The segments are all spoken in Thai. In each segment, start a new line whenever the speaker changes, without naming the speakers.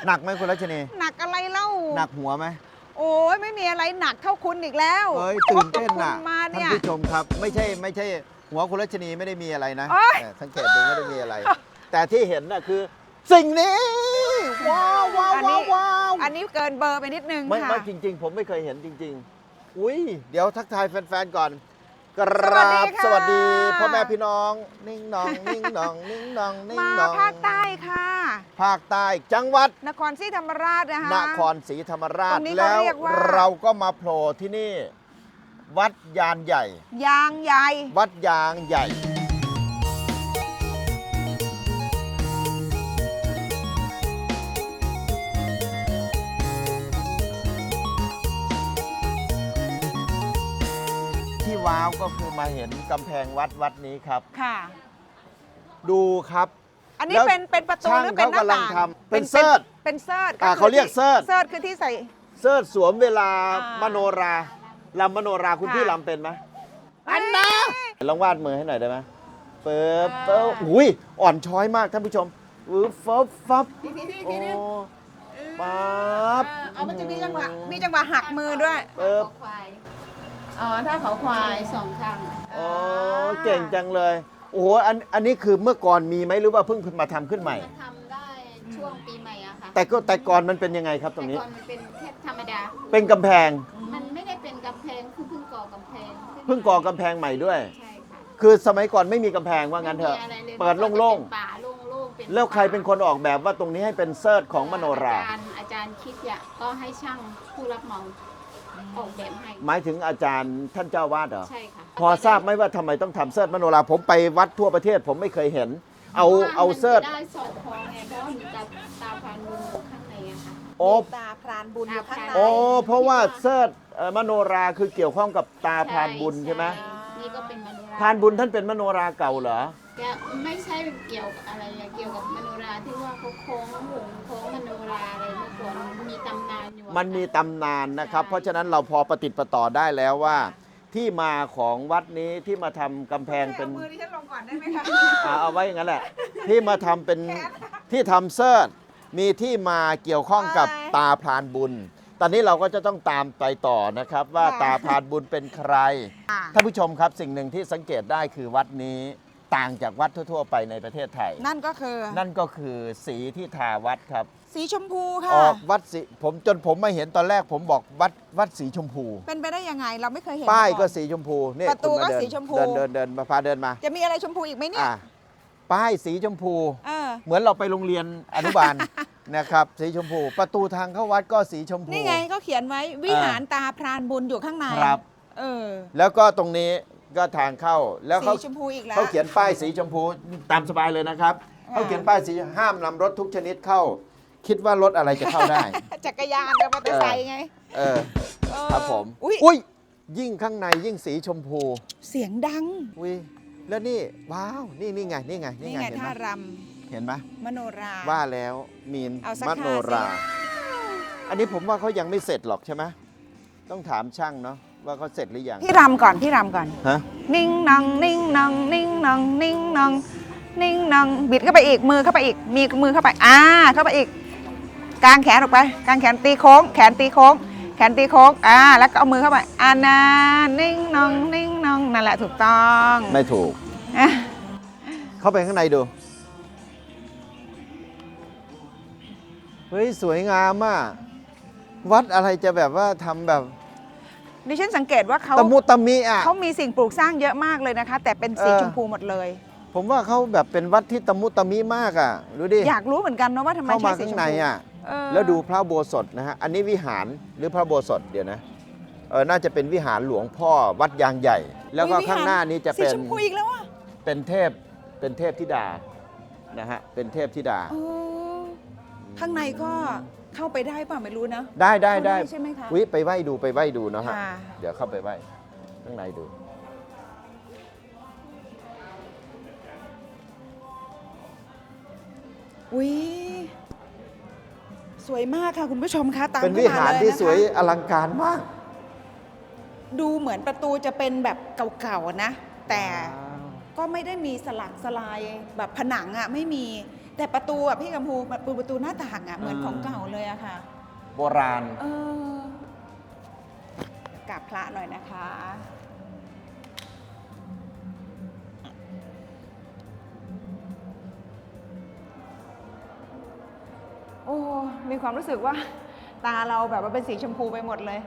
หนักไหมคุณรัชนี
หนักอะไรเล่า
หนักหัวไหม
โอ้ยไม่มีอะไรหนักเท่าคุณอีกแล้ว
เฮ้ยตื่นเต้นน่ะ
มา
ท่าน
เนี่ย
ผู้ชมครับไม่ใช่หัวคุณรัชนีไม่ได้มีอะไรนะ
โอ๊ย
สังเกตดูไม่ได้มีอะไร แต่ที่เห็นน่ะคือ สิ่งนี้ว้าวว้าวว้าวว้าว
อันนี้เกินเบอร์ไปนิดนึง
ไม่
ค่ะ
จริง ๆ ผมไม่เคยเห็นจริง ๆ อุ้ยเดี๋ยวทักทายแฟนๆก่อนก
สวั
รา
สดี
บ
ค่ะ
สวัสดีพ่อแม่พี่น้องนิ่งนองนิ่งนองนิ่งนองนิ่ง
มาน
อง
ภาคใต้ค่ะ
ภาคใต้จังหวัด
นครศรีธรรมราชนะคะ
นครศรีธรรมราช
ตรงนี้เขา
แล้ว
เรียกว่า
เราก็มาโผล่ที่นี่ วัดยานใหญ่
ยางใหญ่
วัดยางใหญ่ ที่ว้าวก็คือมาเห็นกำแพงวัดนี้ครับ
ค่ะ
ดูครับ
อันนี้
แล้ว
เป็นประตู
ช่าง
หรือเป็นหน้า
เขากำลัง
ต่าง
ทำเป็นเสิร์ช
เป็นเสิร์ช
เขาเรียกเสิร์ช
เสิร์ชคือที่ใส่
เสิร์ชสวมเวลา
อ่าม
มโนราลำมโนราคุณ
ค่ะ
พี่ลำเป็นไหม
อันนะ
ลองวาดมือให้หน่อยได้ไหมเปิบเปิบอุ้ยอ่อนช้อยมากท่านผู้ชมฟับฟับโอ้ปั๊บ
เอามันจะมีจังหวะหักมือด้วย
เปิบ
ควายอ๋อ ถ้าเขาควายสองข้าง
อ๋อเก่งจังเลย โอ้โหอันนี้คือเมื่อก่อนมีไหมหรือว่าเพิ่งมาทำขึ้นใหม่
มันทำได้ช่วงปีใหม่อะค่ะ
แต่ก่อนมันเป็นยังไงครับตรงนี้
แต่ก่อนมันเป็นแค่ธรรมดา
เป็นกำแพง
มันไม่ได้เป็นกำแพงคือเพิ่งก่อกำแพงขึ้น
เพิ่งก่อกำแพงใหม่ด้วย
ใช่ค่ะ
คือสมัยก่อนไม่มีกำแพงว่างั้นเถอะ
ไม่มีไรลย
เปิดโล่ง
เป็นป่าโล่งๆเป็น
ๆแล้วใครเป็นคนออกแบบว่าตรงนี้ให้เป็นเซิร์ชของมโนรา
อาจารย์คิดอยากก็ให้ช่างผู้รับเหมาออกแบบให้
หมายถึงอาจารย์ท่านเจ้าวาดเหรอ
ใช่ค่ะ
พอทราบไหมว่าทำไมต้องทำเสิร์ชมโนราผมไปวัดทั่วประเทศผมไม่เคยเห็น เอาเสิร์ช
ได้สอดคล้องไงเพราะว่ามีตาพรานบุญอยู่ข้างในอะค่ะ
โอ้
ตาพรานบุญอยู่ข้างใน
โอ้เพราะว่าเสิร์ชมโนราคือเกี่ยวข้องกับตาพรานบุญใช่ไหม
นี่ก็เป็นมโนรา
พรานบุญท่านเป็นมโนราเก่าเหรอ
แกไม่ใช่เกี่ยวกับอะไรอะเกี่ยวกับมโนราที่ว่าเขาโค้งหงโค้งมโนราอะไรเมื่อก่อนมีตำนานอยู่อะ
มันมีตำนานนะครับ เพราะฉะนั้นเราพอประติดประต่อได้แล้วว่า ที่มาของวัดนี้ที่มาทำกำแพงเป็น
มือที่ฉันลงก่อนได้ไหมคะ
เอาไว้อย่างนั้นแหละ ที่มาทำเป็นที่ทำเสิร์ชมีที่มาเกี่ยวข้องกับตาพรานบุญ ตอนนี้เราก็จะต้องตามไปต่อนะครับ ว่าตาพรานบุญเป็นใคร ท่านผู้ชมครับสิ่งหนึ่งที่สังเกตได้คือวัดนี้ต่างจากวัดทั่วๆไปในประเทศไทย
นั่นก็คือ
นั่นก็คือสีที่ทาวัดครับ
สีชมพู
อ
ค่ะ
อกวัดสีผมมาเห็นตอนแรกผมบอกวัดสีชมพู
เป็นไปได้ยังไงเราไม่เคยเห็น
ป้าย
มอน
ก็สีชมพูนี่
ประตู
คุณา
ก็
เดิน
สีชมพู
เดินมาพาเดินมา
จะมีอะไรชมพูอีกไหมเนี่ย
อ่ะป้ายสีชมพู
เออ
เหมือนเราไปโรงเรียนอนุบาล นะครับสีชมพู ประตูทางเข้าวัดก็สีชมพู
นี่ไงก็เขียนไว้วิหารตาพรานบุญอยู่ข้างใน
ครับ
เออ
แล้วก็ตรงนี้ก็ทางเข้าแล้ว
สี
เขา
ชมพูอีกแล้ว
เขาเขียนป้ายสีชมพูตามสบายเลยนะครับเขาเขียนป้ายสีห้ามนำรถทุกชนิดเข้า คิดว่ารถอะไรจะเข้าได้
จักรยานกับมอเตอร์ไซค์ไง
เออ
เออ
ครับผม
อุ้ย
อุ้ยยิ่งข้างในยิ่งสีชมพู
เสียงดัง
อุ้ยแล้วนี่ว้าวนี่ไงนี่ไง
นี่ไง
เห็นไหม
ท่าร
เห็นไหม
ำมโนรา
ว่าแล้วมีน
เอาสัก
ม
ท่า
โนรา
สิ
อันนี้ผมว่าเขายังไม่เสร็จหรอกใช่ไหมต้องถามช่างเนาะว่าเขาเสร็จหรือยัง
พี่รำก่อนพี่รำก่อน
ฮะ
นิ่งนองนิ่งนองนิ่งนองนิ่งนองนิ่งนองบิดเข้าไปอีกมือเข้าไปอีกมีมือเข้าไปเข้าไปอีกกางแขนออกไปกางแขนตีโค้ง แขนตีโค้ง แขนตีโค้งแล้วก็เอามือเข้าไปนานิ่งนองนิ่งนองนั่นแหละถูกต้อง
ไม่ถูก
อ่ะ
เข้าไปข้างในดูเฮ้ยสวยงามอ่ะวัดอะไรจะแบบว่าทำแบบ
ดิฉันสังเกตว่าเขา
ตะมุตะมิอ่ะ
เขามีสิ่งปลูกสร้างเยอะมากเลยนะคะ แต่เป็นสี
เออ
ชมพูหมดเลย
ผมว่าเขาแบบเป็นวัดที่ตะมุตะมิมากอ่ะดูดิ
อยากรู้เหมือนกันนะว่าทำไม
เข้ามา
ใช้สี
ข้าง
ชม
ใน
พู
อ่ะ
เออ
แล้วดูพระอุโบสถนะฮะอันนี้วิหารหรือพระอุโบสถเดี๋ยวนะน่าจะเป็นวิหารหลวงพ่อวัดยางใหญ่ แล้วก็
อุ๊ย
ข้างหน้านี้จะ
สี
เป็น
ชมพูอีกแล้วอ่ะ
เป็นเทพธิดานะฮะเป็นเทพธิดา
เออข้างในก็เข้าไปได้ป่ะไม่รู้นะ
ได้
เข้าได้ใช่ไหมคะ
วิไปไหว้ดูนะฮะ
ค่ะ
เดี๋ยวเข้าไปไหว้ข้างในดู
อุ้ยสวยมากค่ะคุณผู้ชมคะตาม
เป็น
เข้
วิ
ม
หาร
เลย
ที่
นะคะ
สวยอลังการมาก
ดูเหมือนประตูจะเป็นแบบเก่าๆนะ แต่ก็ไม่ได้มีสลักสลายแบบผนังอ่ะไม่มีแต่ประตูอ่ะพี่กัมพูประตูหน้าต่างอ่ะเหมือนของเก่าเลยอะค่ะ
โบราณ
กราบพระหน่อยนะคะ โอ้ มีความรู้สึกว่า ตาเราแบบว่าเป็นสีชมพูไปหมดเลย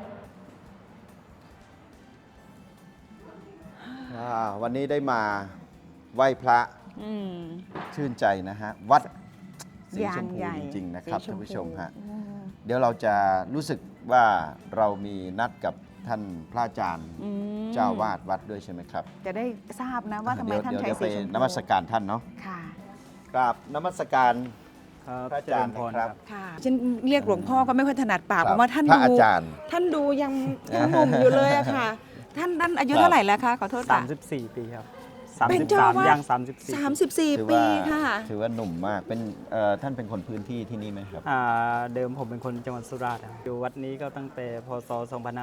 วันนี้ได้มาไหว้พระ
อืม
ชื่นใจนะฮะ วัดสีชมพู
ยางใหญ่
จริงๆนะครับ
สีชมพู
ท่านผู้ชมฮะ
อืม
เดี๋ยวเราจะรู้สึกว่าเรามีนัดกับท่านพระอาจารย์
อืม
เจ้าวาดวัดด้วยใช่ไหมครับ
จะได้ทราบนะว่าทำไมท่าน
เดี๋ยว
ใช้
เดี๋ยว
สี
ไป
ชมพู
นมัสการท่านเนาะ
ค่ะ
กราบนมัสการ
ครับ
พระอาจารย์
เจญพ
นะครับ
ค่ะฉันเรียกหลวงพ่อก็ไม่ค่อยถนัดปาก
ค
เพ
รับ
ราะว่าท่าน
พระ
ดู
อาจารย์
ท่านดูยังหนุ่มอยู่เลยอะค่ะ ท่านอายุเท่าไหร่แล้วคะขอโทษค่ะ
34 ปีครับ
เป็นเจ้าอาวาส
ย่าง34
ถือ
34 ปี
ว่า
ค่ะ
ถือว่าหนุ่มมากเป็นท่านเป็นคนพื้นที่ที่นี่ไหมครับ
เดิมผมเป็นคนจังหวัดสุราษฎร์ครับอยู่วัดนี้ก็ตั้งแต่พศ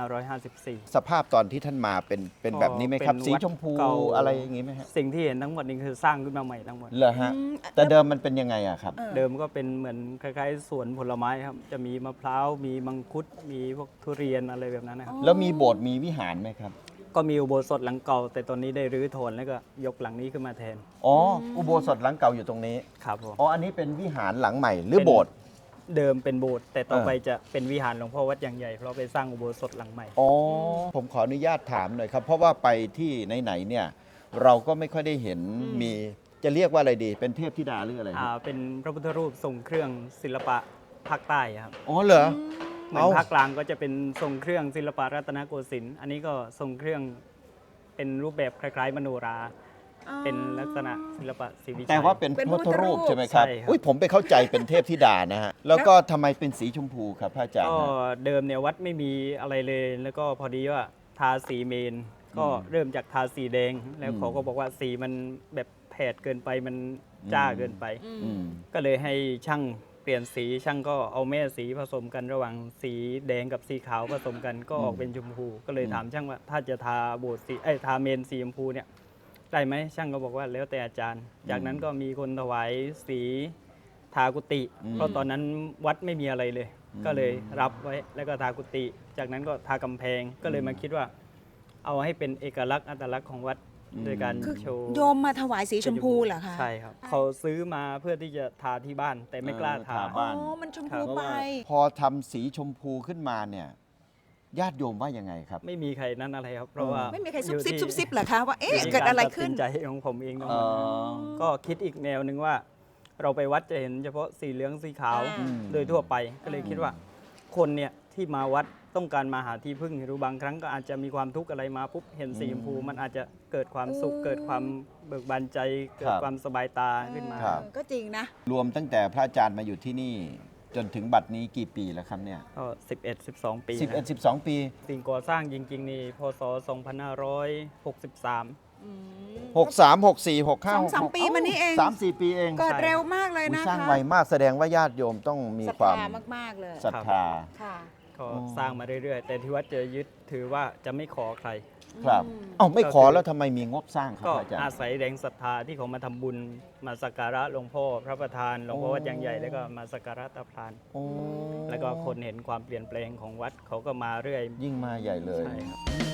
2554
สภาพตอนที่ท่านมาเป็นแบบนี้ไหมครับ
เป็น
สี
วัด
ชมพู
เก่า
อะไรอย่างนี้ไหมฮะ
สิ่งที่เห็นทั้งหมดนี้คือสร้างขึ้นมาใหม่ทั้งหมด
เหรอฮะ แต่เดิมมันเป็นยังไงอะครับ
เดิมก็เป็นเหมือนคล้ายๆสวนผลไม้ครับ จะมีมะพร้าว มีมังคุด มีพวกทุเรียนอะไรแบบนั้นนะครับ
แล้วมีโบสถ์มีวิหารไหมครับ
ก็มีอุโบสถหลังเก่า แต่ตอนนี้ได้รื้อถอนแล้วก็ยกหลังนี้ขึ้นมาแทน
อ๋อ อุโบสถหลังเก่าอยู่ตรงนี้
ครับผม
อ๋อ อันนี้เป็นวิหารหลังใหม่หรือโบสถ์
เดิมเป็นโบสถ์แต่ต่อ
เออ
ไปจะเป็นวิหารหลวงพ่อวัดอย่างใหญ่เพราะไปสร้างอุโบสถหลังใหม่
อ๋อ ผมขออนุญาตถามหน่อยครับ เพราะว่าไปที่ไหนๆเนี่ย เราก็ไม่ค่อยได้เห็นมีจะเรียกว่าอะไรดี เป็นเทพธิดาหรืออะไรครับ
เป็นพระพุทธรูปทรงเครื่องศิลปะภาคใต้ครับ
อ๋อเหรอ
เหมือนภาคกลางก็จะเป็นทรงเครื่องศิลปะรัตนโกสินทร์อันนี้ก็ทรงเครื่องเป็นรูปแบบคล้ายๆมโนรา เป็นลักษณะศิลปะศรีวิชัย
แต่ว่าเป็นพุทธรูปใช่ไหมครับ
ใช่ครับ
อุ้ยผมไปเข้าใจเป็นเทพธิดานะฮะ แล้วก็ทำไมเป็นสีชมพูครับพระอาจารย์
ก็
ฮะ
เดิมเนี่ยวัดไม่มีอะไรเลย แล้วก็พอดีว่าทาสีเมน ก็เริ่มจากทาสีแดง แล้วเขาก็บอกว่าสีมันแบบแผดเกินไปมันจ้าเกินไป
อืม
ก็เลยให้ช่างเปลี่ยนสีช่างก็เอาแม่สีผสมกันระหว่างสีแดงกับสีขาวผสมกันก็ออกเป็นชมพู ก็เลยถามช่างว่าถ้าจะทาโบสถ์สีทาเมนสีชมพูเนี่ยได้ไหมช่างก็บอกว่าแล้วแต่อาจารย์ จากนั้นก็มีคนถวายสีทากุฏิเพราะตอนนั้นวัดไม่มีอะไรเลย ก็เลยรับไว้แล้วก็ทากุฏิจากนั้นก็ทากำแพงก็เลยมาคิดว่า เอาให้เป็นเอกลักษณ์อัตลักษณ์ของวัดโดยการ
คือ
โชว์
โยมมาถวายสีชมพูเหรอคะ
ใช่ครับ เขาซื้อมาเพื่อที่จะทาที่บ้าน แต่ไม่กล้าทา
ทาบ้าน
อ๋อ มันชม
ครั
พู
บ
ไป
พอทำสีชมพูขึ้นมาเนี่ย ญาติโยมว่ายังไงครับ
ไม่มีใครนั่นอะไรครับ เพราะว่า
ไม่มีใครซุบ
อยู่
ซิบ
ที่
ซุบซิบเหรอคะว่า เอ๊ะ
ยู่ที่
เกิดอะไรขึ้น
กาตัดสิใจของผมเองทั้งห
อ๋
ม
อ
ดก็คิดอีกแนวหนึ่งว่า เราไปวัดจะเห็นเฉพาะสีเหลืองสีขาว
อืม
โดยทั่วไป ก็เลยคิดว่า คนเนี่ยที่มาวัดต้องการมาหาที่พึ่งหรือบางครั้งก็อาจจะมีความทุกข์อะไรมาปุ๊บเห็นสีชมพูมันอาจจะเกิดความสุขเกิดความเบิกบานใจเกิดความสบายตาขึ้นมา
ครับ
ก็จริงนะ
รวมตั้งแต่พระอาจารย์มาอยู่ที่นี่ จนถึงบัดนี้กี่ปีแล้วครับเนี่ย
ก็11-12 ปีนะ
11-12 ปี
สิ่งก่อสร้างจริงๆนี่พศ 2563
63 64 65
2-3 ปีมานี้เอง
3-4 ปีเอง
เกิดเร็วมากเลย
อุ๊ย
นะ
สร้าง
คะ
ไวมากแสดงว่าญาติโยมต้องมี
ศรัท
ความ
ธามากๆเลย
ศรัทธา
ค่ะ
ก็สร้างมาเรื่อยๆ แต่ที่วัดจะยึดถือว่าจะไม่ขอใคร
ครับ เอ้าไม่ขอแล้วทำไมมีงบสร้างครับ
ก็
พระอาจาร
อา
ย์
ศัยแรงศรัทธาที่เขามาทำบุญมาสักการะหลวงพ่อพระประธานหลวงพ่อ
โอ้
วัดยางใหญ่แล้วก็มาสักการะตาพราน
โอ้
แล้วก็คนเห็นความเปลี่ยนแปลงของวัดเขาก็มาเรื่อย
ยิ่งมาใหญ่เลย
ใช่ครับ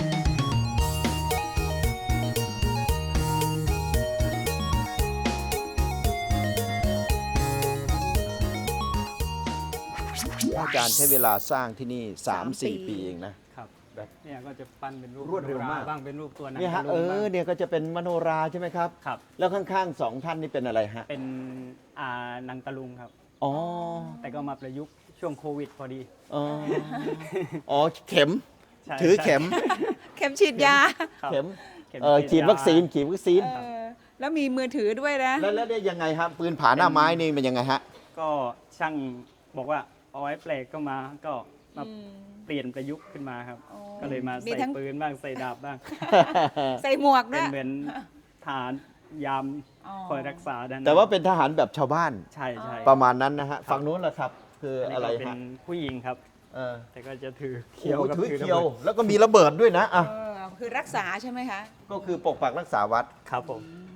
พระอาจารย์ใช้เวลาสร้างที่นี่ 3-4 ปีเองนะ
ครับแบบเนี่ยก็จะปั้นเป็นรูป
รวดเร็วมาก
บ้างเป็นรูปตัวหนัง
เนี่ยฮะ
ตะลุงบ้าง
เนี่ยก็จะเป็นมโนราใช่ไหมครับ
ครับ
แล้วข้างๆ 2 ท่านนี่เป็นอะไรฮะ
เป็นหนังตะลุงครับ
อ๋อ
แต่ก็มาประยุกต์ช่วงโควิดพอดี
อ๋อ อ๋อ เข็ม
ใช่
ถือเข็ม
เข็มฉีดยา
ครับ
เข็ม
เข็ม
ฉีดวัคซีน ฉีดวัคซีน
เออแล้วมีมือถือด้วยนะ
แล้วเนี่ยยังไงครับ ปืนผาหน้าไม้นี่มันยังไงฮะ
ก็ช่างบอกว่าเอาไว้แปลกก็มาก็มาเปลี่ยนประยุกต์ขึ้นมาครับ
อ๋อ
ก็เลยมา
มี
ใส่
ทั้ง
ปืนบ้างใส่ดาบบ้าง
ใส่หมวกด้
เป็
วน ย
เหมือนฐานยาม
อ๋อ
คอยรักษาด้านหน้
แต่ว่าเป็นทหารแบบชาวบ้าน
ใช่ใช่
ประมาณนั้นนะฮะ ฝั่งนู้นแหละครับ คือ
อันนี้
อะไร
ก็เป็น
ฮะ
ผู้หญิงครับ
เออ
แต่ก็จะถือ
เขี
เขียวกับ
ถือ
ถือ
เขียว
ระบิด
แล้วก็มีระเบิดด้วยนะอ่ะ
คือรักษาใช่ไหมคะ
ก็คือปกปักรักษาวัด
ครับผม
แ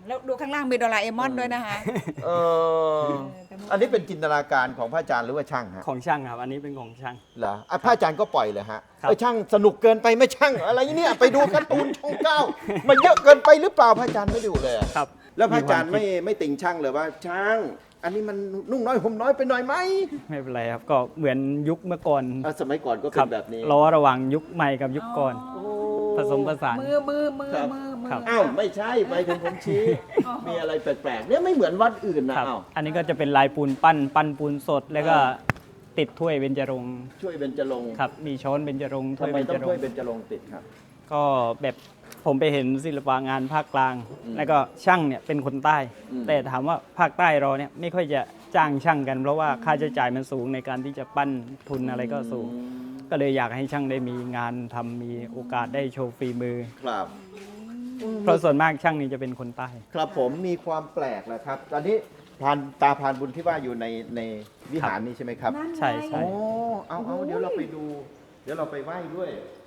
แล้วดูข้างล่างมีโดราเอมอนด้วยนะคะ
เอออันนี้เป็นจินตนาการของพระอาจารย์หรือว่าช่างฮะ
ของช่างครับ อันนี้เป็นของช่าง
เหรอพระอาจารย์ก็ปล่อยเลยฮะ
ครับ
ช่างสนุกเกินไปไหม่ช่างอะไรเนี่ยไปดูการ์ตูนช่องเก้ามันเยอะเกินไปหรือเปล่าพระอาจารย์ไม่ดูเลยอะ
ครับ
แล้วพระอาจารย์
มีความคิด
ไม่ติงช่างเลยว่าช่าง อันนี้มันนุ่งน้อยห่มน้อยไปหน่อยไหม
ไม่เป็นไรครับ ก็เหมือนยุคเมื่อก่อน
สมัยก่อนก็
ค
เป็
รั
นแบบนี้
ล้อระหว่างยุคใหม่กับยุคก่อน
โอ้
ผสมผสาน
มือ
ครับ
ครับ
อ้าวไม่ใช่ไปถึงผมชี้ มีอะไรแปลกๆเนี่ยไม่เหมือนวัดอื่นนะครับ อ้าว
อันนี้ก็จะเป็นลายปูนปั้นปูนสด แล้วก็ติดถ้วยเบญจรงค์
ช่วยเบญจรงค์
ครับ มีช้อนเบญจรงค์ถ้
ทำ
วย
ไม
เบญ
ต้
จ
อง
ร
ช่วย
งค์
เบญจรงค์ติดครับ
ก็แบบผมไปเห็นศิลปะงานภาคกลาง
อืม
แล้วก็ช่างเนี่ยเป็นคนใต้
อืม
แต่ถามว่าภาคใต้เราเนี่ยไม่ค่อยจะจ้างช่างกัน เพราะว่าค่าใช้จ่ายมันสูงในการที่จะปั้นทุนอะไรก็สูง ก็เลยอยากให้ช่างได้มีงานทำมีโอกาสได้โชว์ฝีมือ
ครับ
เพราะส่วนมากช่างนี่จะเป็นคนใต้
ครับผมมีความแปลกแหละครับ ตอนนี้ตาพรานบุญที่ว่าอยู่ในวิหารนี้ใช่ไหมครับ
ใช่ใช่
โอ้เอาเดี๋ยวเราไปดู เดี๋ยวเราไปไหว้ด้วย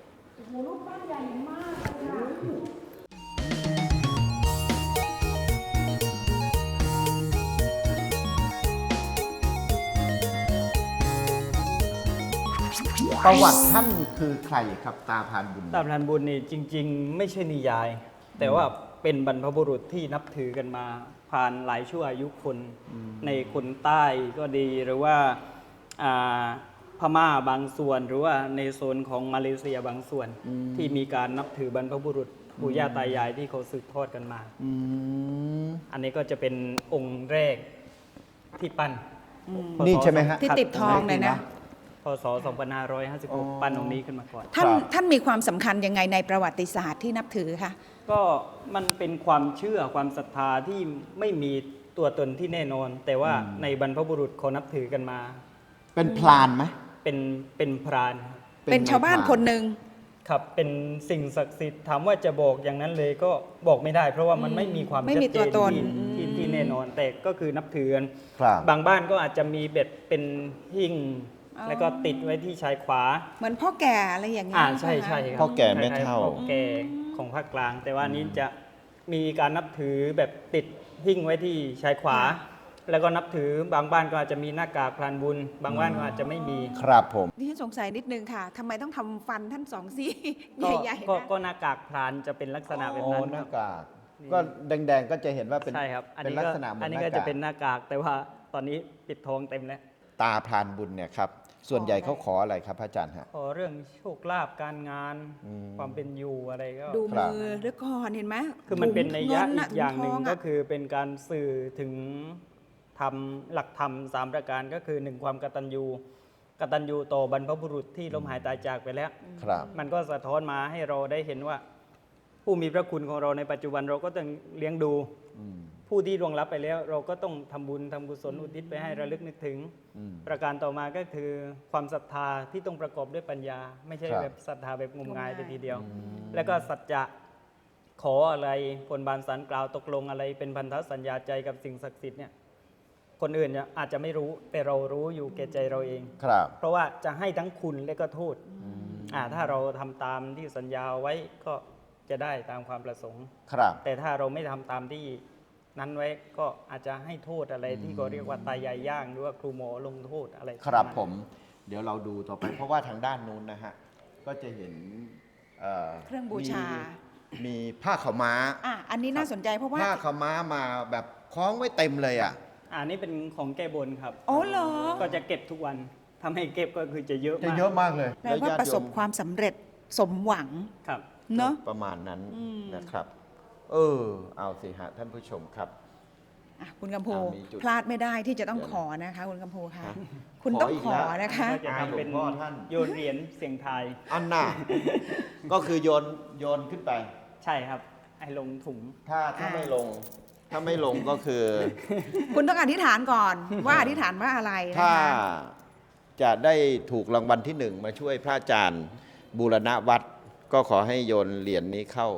ประวัติท่านคือใครครับตาพรานบุญ
ตาพรานบุญนี่จริง ๆ ไม่ใช่นิยาย แต่ว่าเป็นบรรพบุรุษที่นับถือกันมาผ่านหลายชั่วอายุคนในคนใต้ก็ดีหรือว่าอ่าพม่าบางส่วน หรือว่าในโซนของมาเลเซียบางส่วน ที่มีการนับถือบรรพบุรุษปู่ย่าตายายที่เขาสืบทอดกันมา
อืม
อันนี้ก็จะเป็นองค์แรกที่ปั้นพศ
นี่ใช่ไหมฮะ
ที่ติดทองเลยนะ
พศ 2556 ปั้นองค์นี้ขึ้นมาก่อน
ท่านมีความสำคัญยังไงในประวัติศาสตร์ที่นับถือคะ
ก็มันเป็นความเชื่อความศรัทธาที่ไม่มีตัวตนที่แน่นอน แต่ว่าในบรรพบุรุษเขานับถือกันมา
เป็นพรานไหม
เป็นพราน
เป็นชาวบ้านคนหนึ่ง
ครับเป็นสิ่งศักดิ์สิทธิ์ถามว่าจะบอกอย่างนั้นเลยก็บอกไม่ได้ เพราะว่ามันไม่มีความ
ไม่
ชัด
มี
เจ
ตัวน ตน
ที่แน่นอน แต่ก็คือนับถือกัน
ครับ
บางบ้านก็อาจจะมีเบ็ดเป็นหิ้ง
อ๋อ
แล้วก็ติดไว้ที่ชายขวา
เหมือนพ่อแก่อะไรอย่างเงี้ย
ใช่
ไหม
ใช่
คะ
ครับ
พ่อแก่แม่เฒ่า
พ่อแก่ของภาคกลาง แต่ว่านี้จะมีการนับถือแบบติดหิ้งไว้ที่ชายขวา แล้วก็นับถือบางบ้านก็อาจจะมีหน้ากากพรานบุญ บางบ้านก็อาจจะไม่มี
ครับผม
ดิฉันสงสัยนิดนึงค่ะทำไมต้องทำฟันท่านสองซี่
ก็
ใหญ่ๆ
ก็
นะ
ก็หน้ากากพรานจะเป็นลักษณะแบบ
โอ้
นั้น
ห
ค
น้า
รับ
กากก็แดงๆก็จะเห็นว่าเป็น
ใช่ครับ
เป็นลักษณะเหมือน
อัน
ห
นี้
น้า
ก็
กา
จะ
ก
เป็นหน้ากาก แต่ว่าตอนนี้ปิดทองเต็มแล้ว
ตาพรานบุญเนี่ยครับ ส่วนใหญ่เขาขออะไรครับพระอาจารย์ฮะ
ขอเรื่องโชคลาภการงาน
อืม
ความเป็นอยู่อะไรก็
ดู
ครับ
มือด้วยก่อนเห็นไหม
คือมันเป็นนัยยะ
ถุ
อีกอย่างหนึ่ง
ถุท
ก็
อะ
คือเป็นการสื่อถึงธรรมหลักธรรมสามประการก็คือหนึ่งความกตัญญูกตัญญูต่อบรรพบุรุษที่ล้มหายตายจากไปแล้ว
ครับ
มันก็สะท้อนมาให้เราได้เห็นว่า ผู้มีพระคุณของเราในปัจจุบันเราก็ต้องเลี้ยงดู
อืม
ผู้ที่ล่วงลับไปแล้ว เราก็ต้องทำบุญทำกุศลอุทิศไปให้ระลึกนึกถึง
อืม
ประการต่อมาก็คือความศรัทธาที่ต้องประกอบด้วยปัญญา ไม่ใช่
ครับ
แบบศรัทธาแบบงมงายไปทีเดียว
อืม
แล้วก็สัจจะขออะไรบนบานสารกล่าวตกลงอะไร เป็นพันธสัญญาใจกับสิ่งศักดิ์สิทธิ์เนี่ยคนอื่นเนี่ยอาจจะไม่รู้แต่เรารู้อยู่แก่ใจเราเอง
ครับ
เพราะว่าจะให้ทั้งคุณและก็โทษ
อืม
ถ้าเราทำตามที่สัญญาไว้ก็จะได้ตามความประสงค์
ครับ
แต่ถ้าเราไม่ทำตามที่นั้นไว้ก็อาจจะให้โทษอะไรที่เขาเรียกว่าตายายย่างหรือว่าครูหมอลงโทษอะไร
ครับ
ปะาณ
ผม เดี๋ยวเราดูต่อไป เพราะว่าทางด้านนู้นนะฮะ ก็จะเห็น
เครื่องบูชา
มีผ้าขาวม้า
อันนี้น่าสนใจเพราะว่า
ผ้าขาวม้ามาแบบคล้องไว้เต็มเลยอ่ะ
อันนี้เป็นของแก้บนครับ
อ๋อเหรอ
ก็จะเก็บทุกวันทำให้เก็บก็คือจะเยอะ
จะ
มาก
เยอะมากเลย
แปลว่าประสบความสำเร็จสมหวัง
ครับ
เนาะ
ประมาณนั้น
อืม
นะครับ เอาสิฮะท่านผู้ชมครับ
อ่ะคุณกำพู
มีจุด
พลาดไม่ได้ที่จะต้อง
เดี๋ยว
ขอนะคะคุณกำพูคะ
ฮะ
คุณต้อง
ขออีก
ขอ
แล้ว
นะคะ
ก็จะทำเป็น
หลวงพ่อท่าน
โยนเหรียญเสียงทาย
อันน่ะ ก็คือโยนขึ้นไป
ใช่ครับให้ลงถุง
ถ้าไม่ลง ถ้าไม่ลงก็คือ
คุณต้องอธิษฐานก่อนว่าอธิษฐานว่าอะไรนะ
ถ้า
คะ
จะได้ถูกรางวัลที่หนึ่งมาช่วยพระอาจารย์บูรณะวัด ก็ขอให้โยนเหรียญนี้เข้า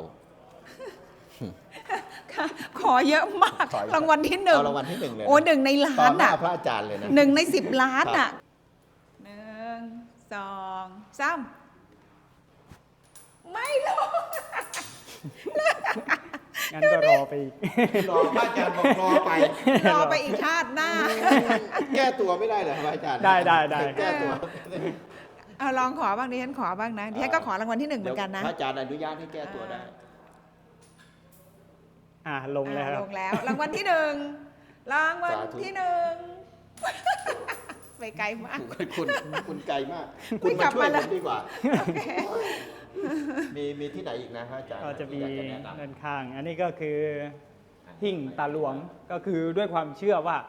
ค่ะขอเยอะมาก
ขออีก
รางวัลที่หนึ่ง
เอารางวัลที่หนึ่งเลยนะ
โอ้1 ในล้า
ต่อน หน้า
อ่ะ
พระอาจารย์เลยนะ
1 ใน 10 ล้านอ่ะ1 2 3ไม่ลง
งั้นก็รอไปอีก
รอพระอาจารย์บอกรอไป
รอไปอีกชาติหน้า
แก้ตัวไม่ได้เหรอครับอาจารย์
ได้
แก้ตัว
เอาลองขอบ้างดิฉันขอบ้างนะดิฉันก็ขอรางวัลที่ 1เหมือนกันนะ
พระอาจารย์อนุญาตให้แก้ตัวได้
ลงแล้ว
ลงแล้วรางวัลที่1รางวัลที่1ไปไกลมาก
คุณไกลมาก
ไม่
คุณ
กลั
มา
บ
ช่วย
มาเล
ผ
ย
มดีกว่า
โอเค
มีที่ไหนอีกนะพระอาจารย์
ก็จะมี
ที่อยากแนะนำ
ด้านข้าง อันนี้ก็คือหิ่งตาหลวงก็คือด้วยความเชื่อว่า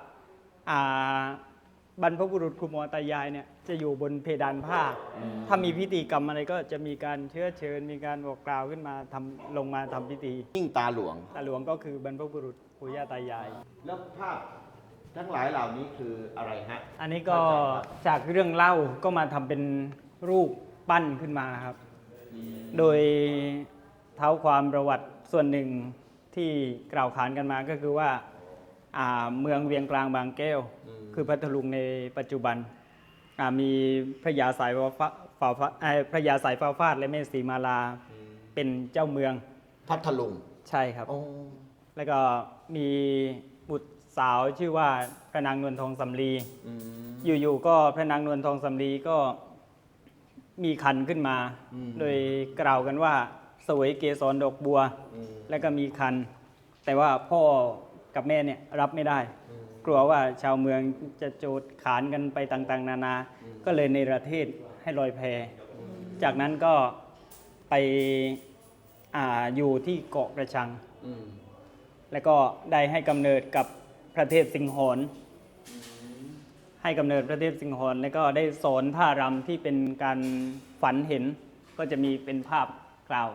บรรพบุรุษครูหมอตายายเนี่ยจะอยู่บนเพดานผ้า ถ้ามีพิธีกรรมอะไรก็จะมีการเชื้อเชิญ มีการบอกกล่าวขึ้นมาลงมาทำพิธี
ยิ่งตาหลวง
ตาหลวงก็คือบรรพบุรุษปู่ย่าตายาย
แล้วภาพทั้งหลายเหล่านี้คืออะไรฮะ
อันนี้ก็จากเรื่องเล่าก็มาทำเป็นรูปปั้นขึ้นมาครับ โดยเท้าความประวัติส่วนหนึ่งที่กล่าวขานกันมาก็คือว่าเมืองเวียงกลางบางแก้ว คือพัทลุงในปัจจุบันมีพระยาสายพระยาสายฟ้าฟาดและแม่สีมาลาเป็นเจ้าเมือง
พัทลุง
ใช่ครับ
โอ้
แล้วก็มีบุตรสาวชื่อว่าพระนางนวลทองสำลี อยู่ๆก็พระนางนวลทองสำลีก็มีคันขึ้นมา โดยกล่าวกันว่าเสวยเกสรดอกบัว แล้วก็มีคัน แต่ว่าพ่อกับแม่เนี่ยรับไม่ได้ กลัวว่าชาวเมืองจะโจดขานกันไปต่างๆ นานา ก็เลยในประเทศให้ลอยแพ จากนั้นก็ไปอยู่ที่เกาะกระชัง แล้วก็ได้ให้กำเนิดกับพระเทพสิงหอนให้กำเนิดพระเทพสิงหอนแล้วก็ได้สอนท่ารำที่เป็นการฝันเห็น ก็จะมีเป็นภาพกล่าว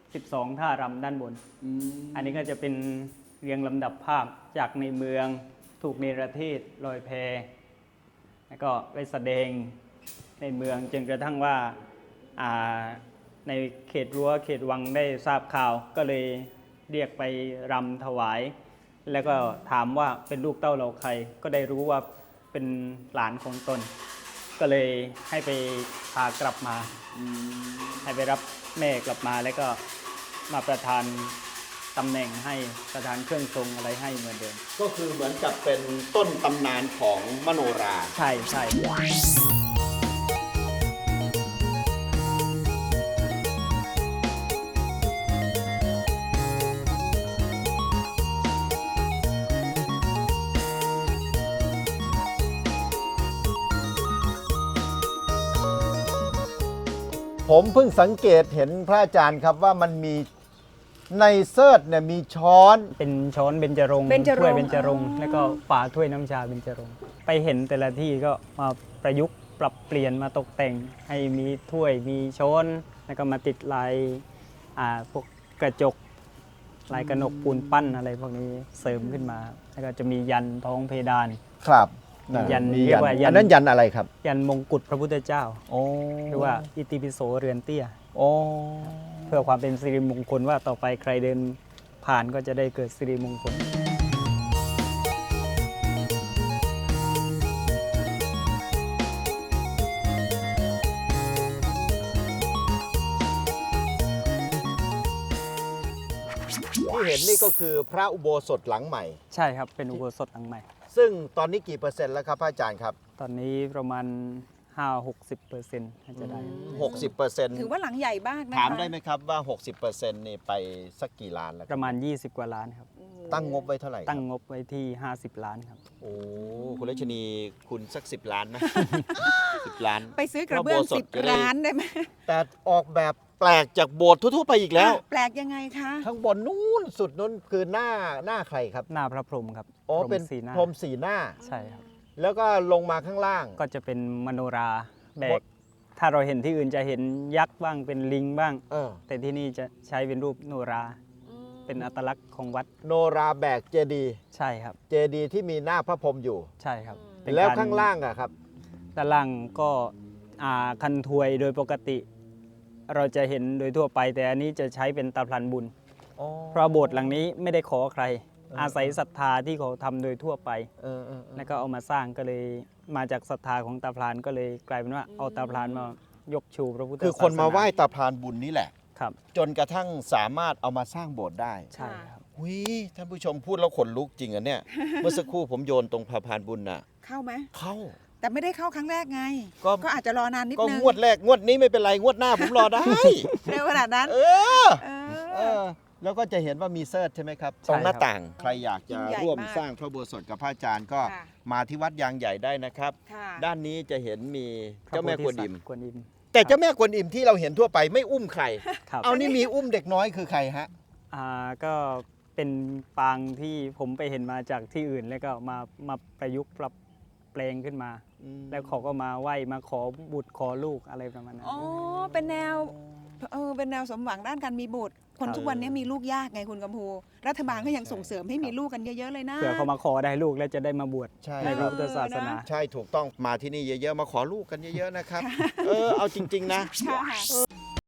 12 ท่ารำด้านบน อันนี้ก็จะเป็นเรียงลำดับภาพจากในเมืองถูกเนรเทศลอยแพ แล้วก็ไปแสดงในเมืองจนกระทั่งว่าในเขตรั้วเขตวังได้ทราบข่าวก็เลยเรียกไปรำถวาย แล้วก็ถามว่าเป็นลูกเต้าเราใคร ก็ได้รู้ว่าเป็นหลานของตน ก็เลยให้ไปพากลับมา ให้ไปรับแม่กลับมาแล้วก็มาประทานตำแหน่งให้ประทานเครื่องทรงอะไรให้เหมือนเดิม
ก็คือเหมือนกับเป็นต้นตำนานของมโนรา
ใช่ใช่
ผมเพิ่งสังเกตเห็นพระอาจารย์ครับว่ามันมีในเซิร์ชเนี่ยมีช้อน
เป็นช้อนเบญจรงค์
เบญจรงค์
ถ้วยเบญจรงค์แล้วก็ฝาถ้วยน้ำชาเบญจรงค์ไปเห็นแต่ละที่ก็มาประยุกต์ปรับเปลี่ยนมาตกแต่งให้มีถ้วยมีช้อนแล้วก็มาติดลายพวกกระจกลายกระหนกปูนปั้นอะไรพวกนี้เสริมขึ้นมา แล้วก็จะมียันท้องเพดาน
ครับ
ยัน
มี
เรียกว่ายัน
อันนั้นยันอะไรครับ
ยันมงกุฎพระพุทธเจ้า
โอ้
หรือว่าอิติปิโสเรือนเตี้ย
โอ้
เพื่อความเป็นสิริมงคลว่าต่อไปใครเดินผ่านก็จะได้เกิดสิริมงคล
ที่เห็นนี่ก็คือพระอุโบสถหลังใหม่
ใช่ครับ เป็นอุโบสถหลังใหม่
ซึ่งตอนนี้กี่เปอร์เซ็นต์แล้วครับพระอาจารย์ครับ
ตอนนี้ประมาณ 5-60%น่าจะได้
60%
ถือว่าหลังใหญ่มากนะคะ
ถามได้ไหมครับว่า 60%นี่ไปสักกี่ล้านแล้วค
ป
รับ
ระมาณ 20 กว่าล้านครับ
ตั้งงบไว้เท่าไหร่ครับ
ตั้งงบไว้ที่ 50 ล้านครับ
โอ้คุณรัชนีคุณสัก 10 ล้านไหม 10 ล้าน
ไปซื้อกระเบื้อง
พระโบสถจะได้
10 ล้านได้ไหม
แต่ออกแบบแปลกจากโบสถ์ทั่วๆไปอีกแล้ว
แปลกยังไงคะ
ข้างบนนู้นสุดนู้นคือหน้าใครครับ
หน้าพระพรหมครับ
อ๋อ
พรหม
เป็น
สีหน้า
พรหมสีหน้า
ใช่ครับ
แล้วก็ลงมาข้างล่าง
ก็จะเป็นมโนราแบ
หม
ก
ด
ถ้าเราเห็นที่อื่นจะเห็นยักษ์บ้างเป็นลิงบ้าง
เออ
แต่ที่นี่จะใช้เป็นรูปโนรา เป็นอัตลักษณ์ของวัด
โนราแบกเจดีย์
ใช่ครับ
เจดีย์ที่มีหน้าพระพรหมอยู่
ใช่ครับเป็น
แล้ว
กร
ข้างล่างอะครับ
ด้านล่างก็คันถวยโดยปกติ เราจะเห็นโดยทั่วไป แต่อันนี้จะใช้เป็นตาพลันบุญ เพราะโบสถ์หลังนี้ไม่ได้ขอใคร อาศัยศรัทธาที่เขาทำโดยทั่วไป แล้วก็เอามาสร้างก็เลยมาจากศรัทธาของตาพลานก็เลยกลายเป็นว่าเอาตาพลานมายกชูพระพุทธศาสนา
คือคนมาไหว้ตาพรานบุญนี่แหละ
ครับ
จนกระทั่งสามารถเอามาสร้างโบสถ์ได้
ใช่ครับ
โหุยท่านผู้ชมพูดแล้วขนลุกจริงอ่ะเนี่ย เมื่อสักครู่ผมโยนตรงสะพานบุญน่ะ
เข้าไหม
เข้า
แต่ไม่ได้เข้าครั้งแรกไง
ก็
ก็อาจจะรอนานนิด
ก็
นึง
งวดแรกงวดนี้ไม่เป็นไรงวดหน้าผมรอได้
เร็วขนาดนั้น
เออ
เอ
เอ
อ
อแล้วก็จะเห็นว่ามีเซิร์ชใช่ไหมครับ
ใช่
ตรงหน้า
ครับ
ต่าง ใครอยากจะ
ยิ่งใหญ่
ร่วม
มาก
สร้างพระอุโบสถกับพระอาจารย์ก็
ค่ะ
มาที่วัดยางใหญ่ได้นะครับ
ค่ะ
ด้านนี้จะเห็นมีเจ้าแม่กวนอิม
กวนอิม
แต่เจ้าแม่กวนอิมที่เราเห็นทั่วไปไม่อุ้มใคร
ครับ
เอานี่มีอุ้มเด็กน้อยคือใครฮะ
ก็เป็นปางที่ผมไปเห็นมาจากที่อื่นแล้วก็มาประยุกต์ปรับแปลงขึ้นมา แล้วเขาก็มาไหว้มาขอบุตรขอลูกอะไรประมาณนั้น
อ๋อ เป็นแนว เป็นแนวสมหวังด้านการมีบุตร คน
ครับ
ทุกวันนี้มีลูกยากไงคุณกำพู รัฐบาลก็ยังส่งเสริมให้มีลูกกันเยอะๆเลยนะ
เผื่อเขามาขอได้ลูกแล้วจะได้มาบวช
ใช่
ในพระพุทธศาสนา
ใช่ถูกต้องมาที่นี่เยอะๆ มาขอลูกกันเยอะๆนะครับ เอาจริง ๆ นะ
ค่ะ